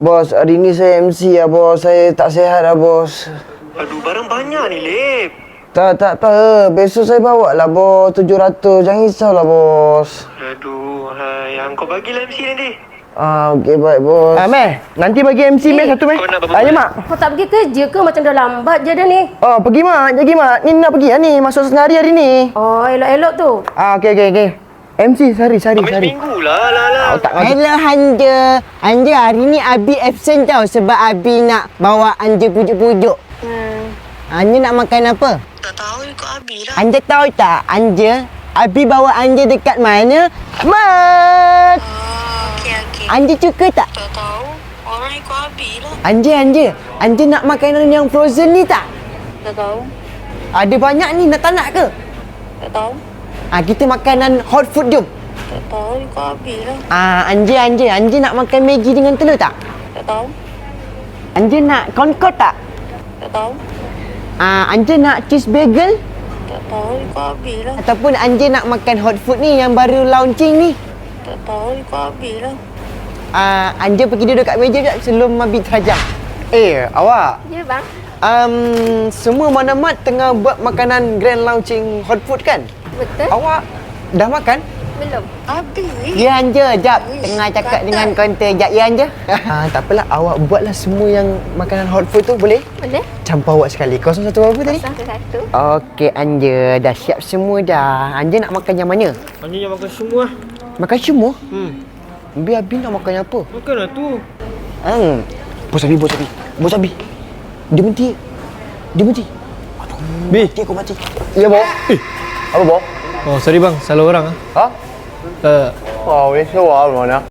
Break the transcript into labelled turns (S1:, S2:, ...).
S1: Bos, hari ni saya MC lah bos. Saya tak sihat lah bos.
S2: Aduh, barang banyak ni, Lip.
S1: Tak. Besok saya bawa lah bos. 700. Jangan risaulah bos.
S2: Aduh, yang kau bagilah MC nanti.
S1: Okey baik bos.
S3: Meh, nanti bagi MC Meh satu Meh.
S2: Kau nak berapa
S3: Ayo
S2: banyak?
S3: mak.
S4: Kau tak pergi kerja ke? Macam dah lambat je dah ni.
S3: Oh, pergi mak. Jadi mak, ni nak pergi lah ni. Masuk senari hari ni.
S4: Oh, elok-elok tu.
S3: Okey. MC, sari.
S2: Ambil seminggu lah.
S3: Tak
S5: Hello Hanja. Hanja hari ni Abi absent tau sebab Abi nak bawa Hanja pujuk-pujuk. Hanja nak makan apa?
S6: Tak tahu ikut Abi lah.
S5: Hanja tahu tak? Hanja, Abi bawa Hanja dekat mana? Mat!
S6: Okey.
S5: Hanja suka tak?
S6: Tak tahu. Orang ikut Abi lah.
S5: Hanja nak makanan yang frozen ni tak?
S6: Tak tahu.
S5: Ada banyak ni, tak nak ke?
S6: Tak tahu.
S5: Kita makanan hot food jom.
S6: Tak tahu ikut Abi lah.
S5: Hanja nak makan Maggi dengan telur tak?
S6: Tak tahu.
S5: Hanja nak corn-cod tak?
S6: Tak tahu.
S5: Hanja nak cheese bagel?
S6: Tak tahu ikut Abi lah.
S5: Ataupun Hanja nak makan hot food ni yang baru launching ni?
S6: Tak tahu ikut Abi lah.
S5: Hanja pergi duduk kat meja sekejap sebelum Abi terajam.
S3: Awak.
S4: Ya bang.
S3: Semua Manamat tengah buat makanan grand launching hot food kan?
S4: Betul?
S3: Awak dah makan?
S4: Belum.
S6: Abi?
S5: Ya Hanja, jap. Tengah cakap dengan kaunter. Jap, ya Hanja.
S3: Tak apalah, awak buatlah semua yang makanan hot food tu boleh?
S4: Boleh?
S3: Campur awak sekali. 01 berapa tadi?
S4: Satu.
S5: Okey Hanja, dah siap semua dah. Hanja nak makan yang mana?
S2: Hanya yang makan semua.
S5: Makan semua?
S3: Biar Abi nak makan yang apa?
S2: Makanlah tu.
S3: Bos Abi. Dia berhenti. Bi.
S1: Mati aku mati.
S3: Ya, Bos. Apa, Bos?
S7: Oh, sorry bang, salah orang ah.
S3: Ha? Wow, ni sewa mana?